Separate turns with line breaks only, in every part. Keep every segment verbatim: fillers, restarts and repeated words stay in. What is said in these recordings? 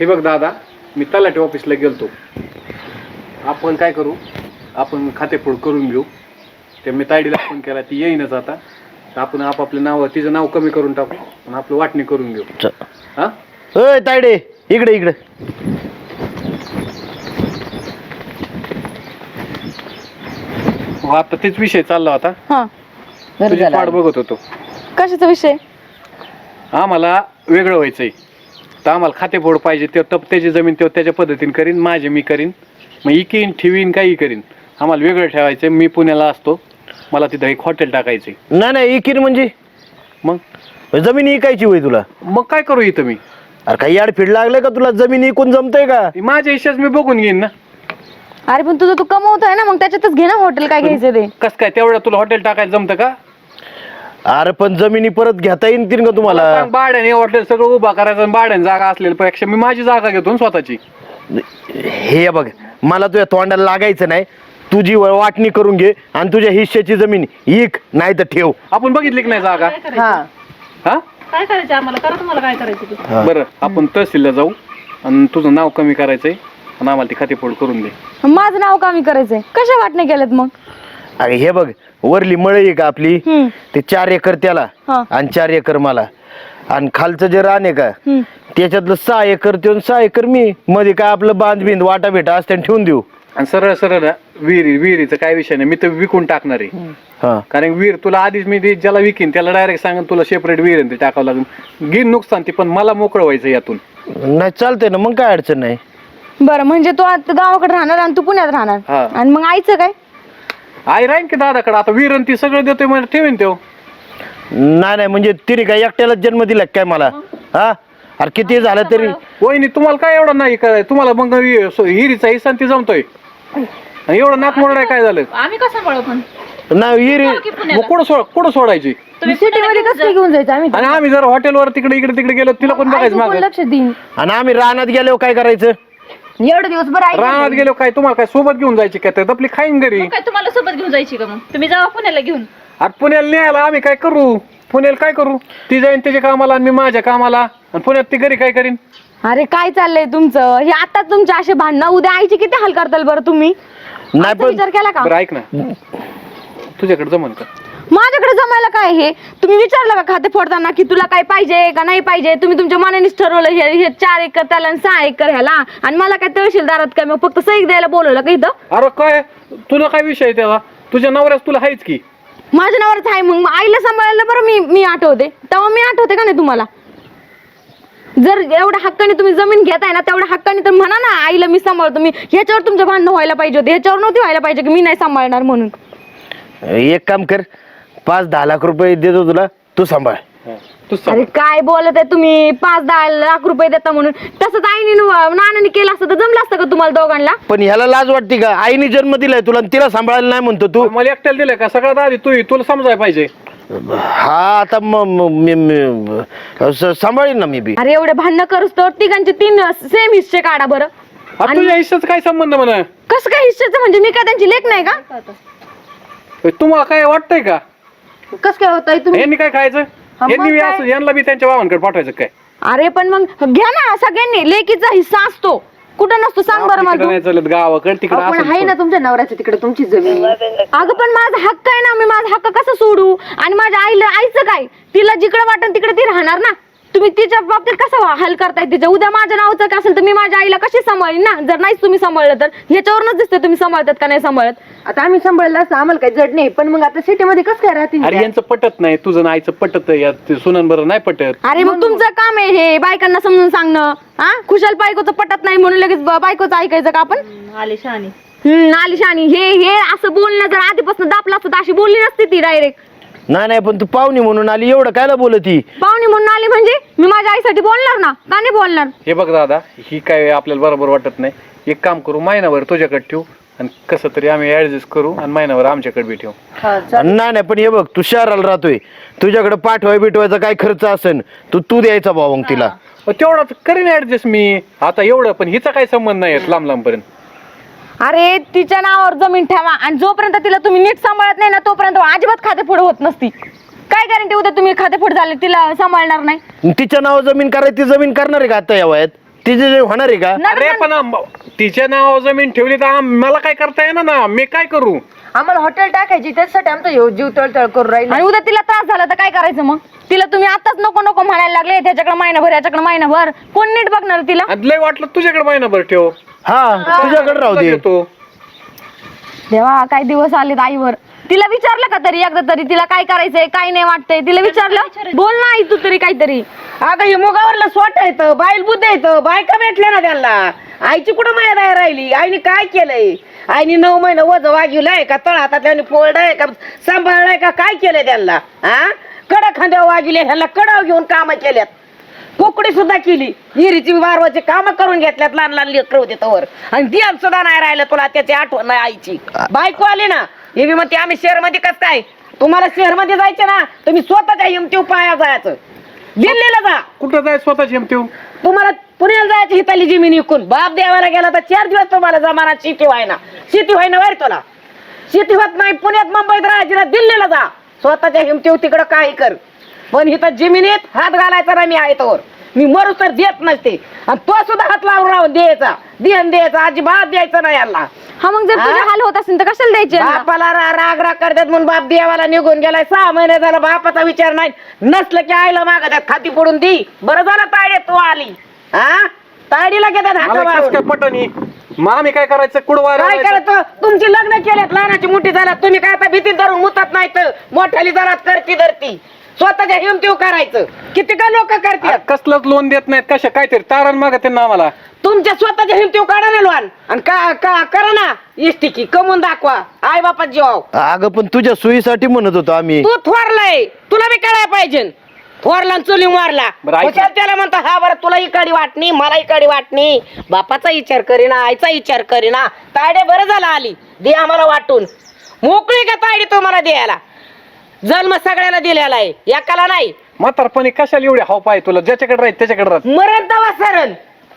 हे बघ दादा, मी तलाठी ऑफिसला गेलतो. आपण काय करू, आपण खातेफोड करून घेऊ. ते मी तायडीला फोन केला, ती येईनच आता. तर आपण आपापलं नाव, तिचं नाव कमी करून टाकू आणि आपलं वाटणी करून घेऊ. हा
होय तायडे, इकडे इकडे.
हो, आता तेच विषय चालला होता.
हा,
तुझी वाट बघत होतो.
कशाचा विषय?
आम्हाला वेगळं व्हायचंय, तर आम्हाला खातेफोड पाहिजे. ते तप त्याची जमीन ते त्याच्या पद्धतीने करीन, माझे मी करीन, मग इकीन ठेवीन काही करीन. आम्हाला वेगळं ठेवायचंय. मी पुण्याला असतो, मला तिथं एक हॉटेल टाकायचंय.
नाही नाही इकीन म्हणजे
मग
जमीन इकायची होय तुला?
मग काय करू इथं मी?
अरे काही याड फिड लागले का तुला? जमीन इकून जमतंय का?
माझ्या हिशेच मी बघून घेईन ना.
अरे पण तुझं तू कमवतोय ना, मग त्याच्यातच घे ना हॉटेल. काय घ्यायचं ते?
कस काय तेवढं तुला हॉटेल टाकायचं जमतं का?
अरे पण जमिनी परत घेता येईल तीन का तुम्हाला?
सांग, भाड्याने हॉटेल सगळं उभा करायचं आणि भाड्याने जागा असलेल्या पेक्षा मी माझी जागा घेतो ना स्वतःची.
हे बघ, मला तुझ्या तोंडाला लागायचं नाही. तुझी वाटणी करून घे आणि तुझ्या हिश्श्याची जमीन इक, नाही तर ठेव.
आपण बघितली की नाही जागा?
हा,
हा
काय करायचं आम्हाला? करा तुम्हाला काय करायचं ते.
बरं, आपण तहसीलला जाऊ आणि तुझं नाव कमी करायचंय आणि आम्हाला ती खातेफोड करून दे.
माझं नाव कमी करायचंय? कशा वाटणे केलेत मग?
अरे हे बघ, वरली मळई आहे का आपली,
हम्म.
ते चार एकर त्याला
हा.
आणि चार एकर मला. आणि खालचं जे रान आहे का
हम्म.
त्याच्यातलं सहा एकर ते सहा एकर मी. मध्ये काय आपलं बांध बिंद वाटा भेटा असते ठेवून देऊ.
आणि सरळ सरळ विहिरी विहिरीचं काय विषय नाही, मी तर विकून टाकणार आहे.
हा
कारण विहीर तुला आधीच मी ती ज्याला विकीन त्याला डायरेक्ट सांगून तुला सेपरेट विहीर आहे ते टाकावं लागेल. घेईन नुकसान ती, पण मला मोकळं व्हायचं यातून.
नाही चालतंय ना, मग काय अडचण नाही.
बरं, म्हणजे तू आता गावाकडे राहणार आणि तू पुण्यात राहणार.
हा.
आणि मग आईचं काय?
आई राहीन की दादाकडे. आता विहीर आणि ती सगळं देतोय म्हणजे ठेवीन तो.
नाही नाही म्हणजे तिने काय एकट्यालाच जन्म दिला काय मला? हा अरे किती झालं तरी.
वहिनी तुम्हाला काय एवढं नाही करायचं? तुम्हाला मग हिरीचा हिस्सा ती जमतोय आणि एवढं नाक मोडाय काय झालं?
आम्ही कसं सांभाळू पण?
नाही विहिरी
मग कुठं सोड कुठं सोडायची?
सिटी मध्ये कसं घेऊन जायचं आम्ही?
आणि आम्ही जर हॉटेलवर तिकडे इकडे तिकडे गेलो तिला कोण बघायचं
कोण
मागं?
लक्ष देईन?
आणि आम्ही रानात गेलो काय करायचं?
एवढे दिवस बरं आई
रानात गेलो काय तुम्हाला काय सोबत घेऊन जायची काय? तर आपली खाईन घरी.
मग काय तुम्हाला सोबत घेऊन जायची का? मग तुम्ही जावा पुण्याला घेऊन.
आता पुण्याला न्यायला आम्ही काय करू? पुण्याला काय करू? ती जाईन त्याच्या कामाला आणि मी माझ्या कामाला, आणि पुण्यात ती घरी काय करीन?
अरे काय चाललंय तुमचं हे? आता तुमचे असे भांडणं, उद्या आईची किती हाल करताल बरं तुम्ही?
नाही
आईचा
पण
विचार केला का?
बरं ऐक ना, तुझ्याकडे जमन का?
माझ्याकडे जमायला काय? हे तुम्ही विचारलं का खाते फोडताना की तुला काय पाहिजे का नाही पाहिजे? तुम्ही तुमच्या मनानेच ठरवलं हे हे चार एकर त्याला आणि सहा एकर ह्याला, आणि मला काय तहसीलदारात काय मग फक्त सही द्यायला बोलवलं का इथं?
अरे काय तुला काय विषय आहे त्याला? तुझ्या नवऱ्यास तुला हायच की.
माझ्या नावावरच आहे. मग आईला सांभाळायला बरं मी मी आठवते, तेव्हा मी आठवते का नाही तुम्हाला? जर एवढ्या हक्काने तुम्ही जमीन घेताय ना, तेवढ्या हक्काने तर म्हणा ना आईला मी सांभाळतो. मी ह्याच्यावर तुमच्या भांडणं व्हायला पाहिजे होते, ह्याच्यावर नव्हती व्हायला पाहिजे की मी नाही सांभाळणार म्हणून.
एक काम कर, पाच दहा लाख रुपये देतो तुला, तू सांभाळ.
तू
अरे काय बोलत आहे तुम्ही? पाच दहा लाख रुपये देता म्हणून? तसंच आईने नानाने केलं असतं तर जमलं असतं का तुम्हाला दोघांना?
पण ह्याला लाज वाटते का? आईने जन्म दिलाय तुला आणि तिला सांभाळायला नाही म्हणतो तू?
मला एकट्याला दिलंय का? सगळ्यात आधी तू तुला समजायला पाहिजे.
हा आता मग मी- मी- स- सांभाळीन ना मी बी.
अरे एवढे भांडणं करूस तर तिघांचे तीन सेम हिस्से काढा बरं.
आता तुझ्या हिस्साचा काय संबंध म्हणा?
कसं काय हिस्सेचं? म्हणजे मी काय त्यांची लेख नाही का?
तुम्हाला काय वाटतंय का?
कसं काय होतंय तुम्ही?
यांनी काय खायचं?
मग
यांनी बी
काय?
असं यांना बी त्यांच्या भावांकडे पाठवायचं काय?
अरे पण मग घ्या ना सगळ्यांनी, लेकीचा हिस्सा असतो. कुठं नसतो सांग बरं
तिकडं
मला?
नाही चालत, गावाकडे तिकडे
आपण आहे
असं
ना तुमच्या नवऱ्याच्या तिकडे तुमची जमीन.
अगं पण माझा हक्क आहे ना, मी माझा हक्क कसं सोडू? आणि माझ्या आईला आईचं काय? तिला जिकडे वाटेल तिकडे ती राहणार ना. तुम्ही तिच्या बाबतीत कसं हल करताय तिच्या? उद्या माझ्या नावाचं काय असेल तर मी माझ्या आईला कशी सांभाळीन ना? जर नाहीच तुम्ही सांभाळलं तर ह्याच्यावरूनच दिसते तुम्ही सांभाळतात का नाही सांभाळत.
आता आम्ही सांभाळलं असं आम्हाला काही जड नाही, पण मग आता सिटीमध्ये कसं काय राहतील?
अरे यांचं पटत नाही, तुझं आईचं पटत यात सुनन बरं नाही पटत.
अरे मग तुमचं काम आहे हे बायकांना समजून सांगणं. हा खुशाल बायकोचं पटत नाही म्हणून लगेच ब- बायकोचं ऐकायचं का आपण?
आले शहाणी.
हम्म आलिशानी हे हे असं बोलणं जर आधीपासून दापलं असतं तर अशी बोलली नसती ती डायरेक्ट.
नाही नाही पण तू पाहुणी म्हणून आली, एवढं कायला बोलती?
पाहुणी म्हणून आली म्हणजे मी माझ्या आईसाठी बोलणार ना, का नाही बोलणार?
हे बघ दादा, ही काय आपल्याला बरोबर वाटत नाही. एक काम करू, महिनाभर तुझ्याकडे ठेवू आणि कसं तरी आम्ही ऍडजस्ट करू आणि महिनाभर आमच्याकडे बी ठेवू.
नाही नाही पण हे बघ, तू शहराला राहतोय, तुझ्याकडे पाठवाय बिठवायचा काय खर्च असेल तू तू द्यायचा भाऊ मग तिला.
तेवढा करीन ऍडजस्ट मी आता एवढं, पण हिचा काय संबंध नाही लांब लांब पर्यंत.
अरे तिच्या नावावर जमीन ठेवा आणि जोपर्यंत तिला तुम्ही नीट सांभाळत नाही ना तोपर्यंत अजिबात खातेफोड होत नसती. काय गॅरंटी उद्या तुम्ही खातेफोड झाले तिला सांभाळणार नाही?
तिच्या नाव जमीन करायची, ती जमीन करणार आहे का आता या वयात? तिचे जे होणार आहे का
अरे पण आम- तिच्या नावावर जमीन ठेवली तर आम- मला काय करता येणार ना, मी काय करू?
आम्हाला हॉटेल टाकायची त्याच्यासाठी आमचा ह्यो जीव तळतळ करून राहिला.
आणि उद्या तिला त्रास झाला तर काय करायचं मग? तिला तुम्ही आताच नको नको म्हणायला लागले, त्याच्याकडे महिनाभर याच्याकडे महिनाभर, कोण नीट बघणार तिला?
आणि लय वाटलं तुझ्याकडे महिनाभर ठेव,
हा तुझ्याकडे राहू दे.
देतो.
देवा काय दिवस आलेत आईवर. तिला विचारलं का तरी एकदा तरी तिला काय करायचंय काय नाही वाटतंय? तिला विचारलं? बोल ना आई तू तरी काहीतरी.
अगं हे मुगावरला स्वट येतं, बाईल बुद्ध येतं, बायका भेटल्या ना त्यांना. आईची कुठं माया नाही राहिली, आईने काय केलंय? आईने नऊ महिने वज वागिवलंय का, तळ हातातल्याने फोडलंय का, सांभाळलंय का, काय केलंय त्यांना? हा कडा खांद्यावर वागिले, ह्यांना कडाव घेऊन कामं केल्यात, कोकडी सुद्धा केली, हिरीची वारवाची कामं करून घेतल्यात, लहान लहान लेकर होते तवर, आणि ती सुद्धा नाही राहिलं तुला त्याची आठवण नाही आईची. बायको आली ना, हे बी म्हणते आम्ही शहर मध्ये कसं काय, तुम्हाला शहर मध्ये जायचं ना तुम्ही स्वतःच्या हिमतीव पाया जायचं, दिल्लीला जा.
कुठं जाय स्वतःची ठेव?
तुम्हाला पुण्याला जायची हिताली जमीन विकून बाप देवाला गेला तर चार दिवस तुम्हाला जमाना शेती व्हायना, शेती व्हायना वर तुला शेती होत नाही. पुण्यात मुंबईत राहायची ना, दिल्लीला जा, स्वतःच्या हिमतीव तिकडं काही कर, पण इथं जमिनीत हात घालायचा ना. मी आहे तोवर मी मरू तर देत नसते, आणि तो सुद्धा हात लावून राहून द्यायचा, देण द्यायचा अजिबात द्यायचं नाही यांना.
हा मग जर तुझे हाल होत असेल तर कशाला द्यायचे यांना?
बापाला रा- राग राग करतात म्हणून बाप देवाला निघून गेलाय, सहा महिने झाला बापाचा विचार नाही, नसलं की आईला मागतात खाती पडून दी. बरं झालं तायडे तू आली, हा तायडीला घेतात हाका
मला कसं
मारून.
काय पटणी? मग आम्ही काय करायचं? कुडवा
काय करायचं? तुमची लग्न केलेत, लहानाची मोठी झाल्यात, तुम्ही काय आता भीती धरून मुतात नाही तर मोठ्याली जरा करती धरती, स्वतःच्या हिमतीव करायचं. किती का लोक करतात,
कसलंच लोन देत नाहीत, कशा काहीतरी तारण मागत ना आम्हाला.
तुमच्या स्वतःच्या हिमतीव काढा ना लोन, आणि का का करा ना इष्टिकी कमवून दाखवा आई बापा जीवाव.
अगं पण तुझ्या सोयीसाठी म्हणत होतो आम्ही.
तू थोरलाय, तुला बी कळायला पाहिजे. थोरला चुली मारला,
बरं, ऐक.
हुशार त्याला म्हणतो हा बरं तुला इकडे वाटणी मला इकडे वाटणी, बापाचा विचार करीना आईचा विचार करीना. तायडे बरं झाला आली, दे आम्हाला वाटून. मोकळी का तायडी तुम्हाला द्यायला? जन्म सगळ्याला दिलेला आहे, एकाला नाही.
म्हातारपणी कशाला एवढे हाव पाय तुला? ज्याच्याकडे राहील त्याच्याकडे राहत.
मरण तवा सरण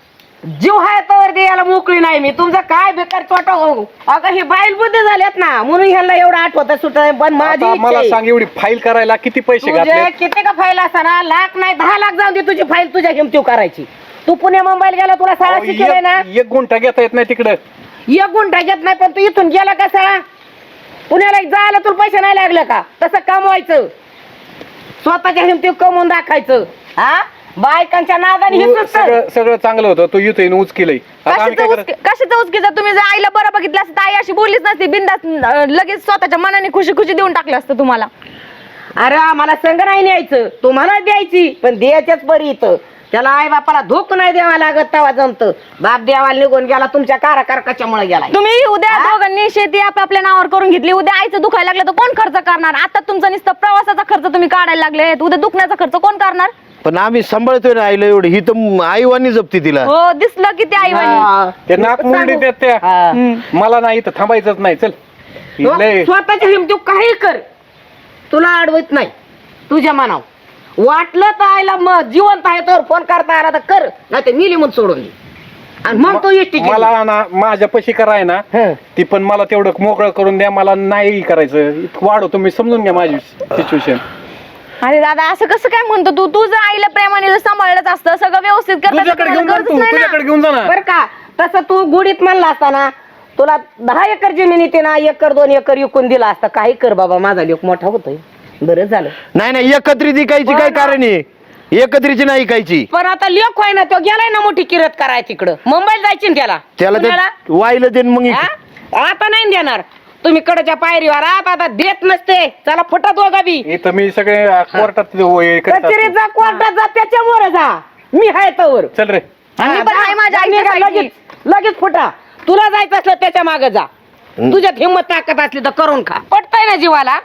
जीव हाय तवर द्यायला मोकळी नाही मी. तुमचा काय बेकार चोटा हो. अगं हे बाईल बुद्धी झाल्यात ना म्हणून ह्याला एवढं आठवत सुट, पण माझी
आता
इच्छा
मला
आहे.
सांग, एवढी फाईल करायला किती पैसे
तुझे
घातले?
किती का फाईल असताना लाख नाही दहा लाख जाऊन दे तुझी फाईल तुझ्या किमतीव करायची. तू पुणे मुंबईला गेला तुला शाळा शिकवलंय ना,
एक एक गुंठा घेता येत नाही तिकडं.
एक गुंठा घेत नाही, पण तू इथून गेला कसा? पुण्याला जायला तुला पैसे नाही लागले का? तसं कमवायचं, स्वतःच्या हिमतीव कमवून दाखायचं. हा बायकांच्या नादाने
तू
हिचूच कर.
सगळं सगळं चांगलं होतं, तू इथं उच केलंय. आता आम्ही
कशाचं
काय
उचकी कशाचं उचकी? जर तुम्ही जर आईला बरं बघितलं असतं तर आई अशी बोललीच नसती, बिंदास लगेच स्वतःच्या मनाने खुशी खुशी देऊन टाकलं असतं तुम्हाला.
अरे आम्हाला संग नाही न्यायचं, तुम्हाला द्यायची, पण द्यायच्याच बरी इथं. त्याला आई बापाला धोक नाही द्यावा लागत, तेव्हा जमत. बाप देवाला निघून गेला तुमच्या काराकारकाच्यामुळे गेला.
तुम्ही उद्या दोघांनी शेती आपल्या नावावर करून घेतली, उद्या आईचं दुखायला लागलं तर कोण खर्च करणार? आता तुमचा नुसतं प्रवासाचा खर्च तुम्ही काढायला लागले, उद्या दुखण्याचा खर्च कोण करणार?
पण आम्ही सांभाळतोय ना आईला एवढी, ही तर आईवानी जपती तिला.
हो दिसलं की ते आई
ते नाक मुंडी देत त्या. मला नाही इथं थांबायचंच नाही. चल लय-
स्वतःच्या हिमतीव काही कर, तुला अडवत नाही तुझ्या मनाव. वाटलं तर आईला मग जिवंत आहे तर फोन करता आला तर कर, नाही तर मिली म्हणून सोडून दे. आणि मग तू इष्टी
मला ना माझ्या पशी कराय ना ती, पण मला तेवढं मोकळं करून द्या. मला नाही करायचं, इतकं वाढव तुम्ही, समजून घ्या माझी सिच्युएशन.
अरे दादा असं कसं काय म्हणतो तू? तू जर आईला प्रेमाने जर सांभाळलंच असतं, सगळं व्यवस्थित करता तर
तुझ्याकडे
तुम्हाला
घेऊन जा
गरजच
तू,
नाही ना.
तुझ्याकडे घेऊन जा ना.
बर का? तसं तू गुडीत म्हणला असताना तुला दहा एकर जमीन येते ना, एकर दोन एकर विकून दिला असता. काही कर बाबा, माझा लोक मोठा होतोय, बरं झालं.
नाही नाही एकत्रित इकायची काय कारण आहे? एकत्रीची नाही इकायची.
पण आता लेख होय ना, तो गेलाय ना मोठी किरत कराय तिकडं, मुंबईला जायची ना त्याला.
त्याला
पुण्याला?
ते वाईला देन मग इक-
हा? आता नाही देणार तुम्ही कडच्या पायरीवर. आता आता देत नसते, चला फुटा दोघा बी.
इथं मी सगळे कोर्टात हे करत असतो.
कचेरीत जा, कोर्टात जा, त्याच्यामुळे जा. मी हाय तवर.
चल रे.
आणि पण आहे माझ्या
जा,
आईच्या
निघा,
साईडची.
लगेच लगेच फुटा. तुला जायचं असलं त्याच्या मागे जा, तुझ्यात हिंमत ताकद असली तर करून खा. पटतय ना जीवाला?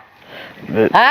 हा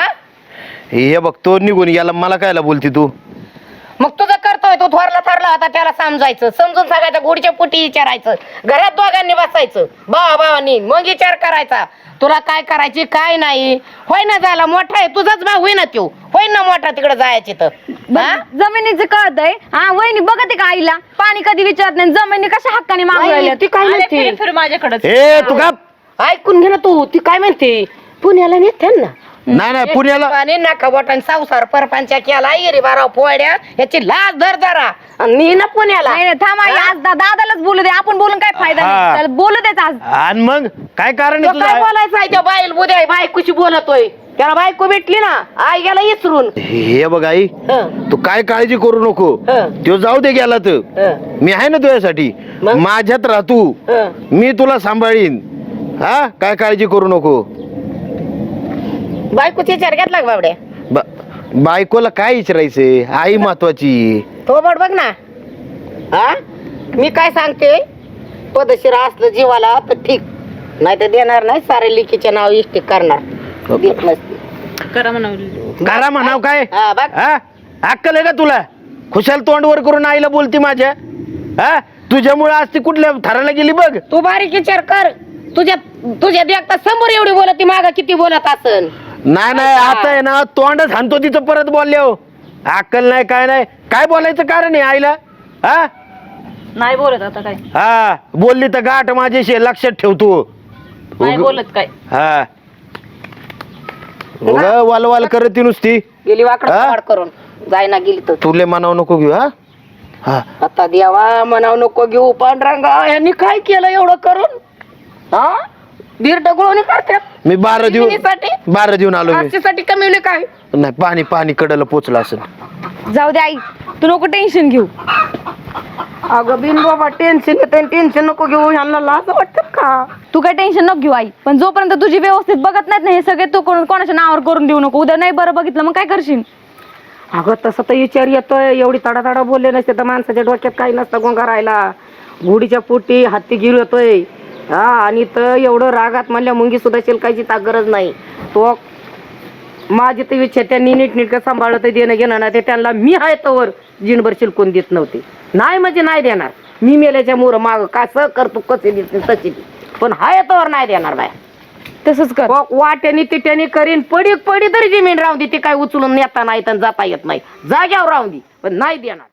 हे बघ तो निघून याला, मला कायला बोलती तू?
मग तुझं करतोय तो थोरला थरला होता, त्याला समजायचं, समजून सांगायचं, गुडच्या पोटी विचारायचं, घरात दोघांनी बसायचं भावा भावानी, मग विचार करायचा तुला काय करायची काय नाही. होय ना, झाला मोठा आहे तुझाच भाऊ, होई ना तो, होय ना मोठा तिकडे जायची तर. हा?
जमिनीचं कळतंय. हा वहिनी बघते का आईला? पाणी कधी विचारत नाही, जमिनी कशा हक्काने मागू
नाही,
राहिल्या?
ती काय
आले
म्हणते
फिर फिर माझ्याकडे
ए तू का
ऐकून घे ना तू, ती काय म्हणते पुण्याला नेत्यान ना.
नाही नाही पुण्याला
आणि नका बोटान संसार परपंचा केला इरी बाराव पोळ्या याची लाज धर जरा आणि मी ना पुण्याला
नाही नाही थांब आई, आज दा- दादालाच बोलू दे, आपण बोलून काय फायदा
हा.
नाही. त्याला बोलू देत आज.
आणि मग काय कारण
तो
आहे
काय
तुझं
बोलायचं आहे त्या बाईल बुद्या बायकोशी बोलतोय त्याला बायको भेटली ना आई गेला इसरून
हे बघ आई
हं,
तू काय काळजी करू नको
हं,
तो जाऊ दे गेला तर
हं,
मी आहे ना तुझ्यासाठी
मग?
माझ्यात राह तू
हं.
मी तुला सांभाळीन हा काय काळजी करू नको
बायकोची विचार घेतला का बाबड्या
बा- बायकोला काय विचारायचंय आई महत्वाची
तो बड बघ ना हा मी काय सांगते पदशीर असलं जीवाला तर ठीक नाही तर देणार नाही सारे लिखीचे नाव इष्टिक करणार देत नसते
करा म्हणावं.
करा म्हणाव काय
हा बघ
हा अक्कल आहे का तुला खुशाल तोंडवर करून आईला बोलती माझ्या हा तुझ्यामुळे आज ती कुठल्या थराला गेली बघ
तू बारीक विचार कर तुझ्या तुझ्या देखता समोर एवढी बोलत ती मागा किती बोलत असन
नाही नाही आता आहे ना तोंडच हाणतो तिचं परत बोलले हो अक्कल नाही काय नाही काय बोलायचं कारण आहे आईला हा
नाही बोलत आता काय
हा बोलली तर गाठ माझ्याशी लक्षात ठेवतो
नाही बोलत काय
हा उगा वालवाल करत ती नुसती
गेली वाकड
हा?
वाड करून जायना गेली तर
तुले मनाव नको घेऊ हा हा
आता देवा म्हणाव नको घेऊ पांढरांगा यांनी काय केलं एवढं करून हा दीर डगळून करतात
मी बारा देऊन
जमिनीसाठी?
बारा देऊन आलो मी
साठी कमी काय
नाही पाणी पाणी कडला पोचलं असं
जाऊ दे आई, तू नको टेन्शन घेऊ.
अगं बिन बाबा टेन्शन येतं टेन्शन नको घेऊ ह्यांना लाज वाटत का
तू काय टेन्शन नको घेऊ आई, पण जोपर्यंत तुझी व्यवस्थित बघत नाहीत ना हे सगळे, तू कोण- कोणाच्या नावावर करून देऊ नको. उद्या नाही बरं बघितलं मग काय करशील?
अगं तसं तर विचार येतोय एवढी तडा तडा बोलले नसते तर माणसाच्या डोक्यात काही नसतं गोंगा राहिला घोडीच्या पोटी हत्ती गिर येतोय हा आणि तर एवढं रागात म्हणल्या मुंगी सुद्धा शिलकायची ता गरज नाही तो माझी तर इच्छा त्यांनी नीटनीटकं सांभाळलं तर देणं घेणं नाही ते त्यांना मी आहे तवर जिनभर शिलकून देत नव्हते नाही म्हणजे नाही देणार मी मेल्याच्या मोर माग कसं करतो कसे देत नाही तशी दे. पण हाय तवर नाही देणार बाय
तसंच कर.
वा- वाट्याने तिट्याने करीन पडी पडी तरी जमीन राहून दे ती काय उचलून नेता नाही तर जाता येत नाही जाग्यावर राहून दे पण नाही देणार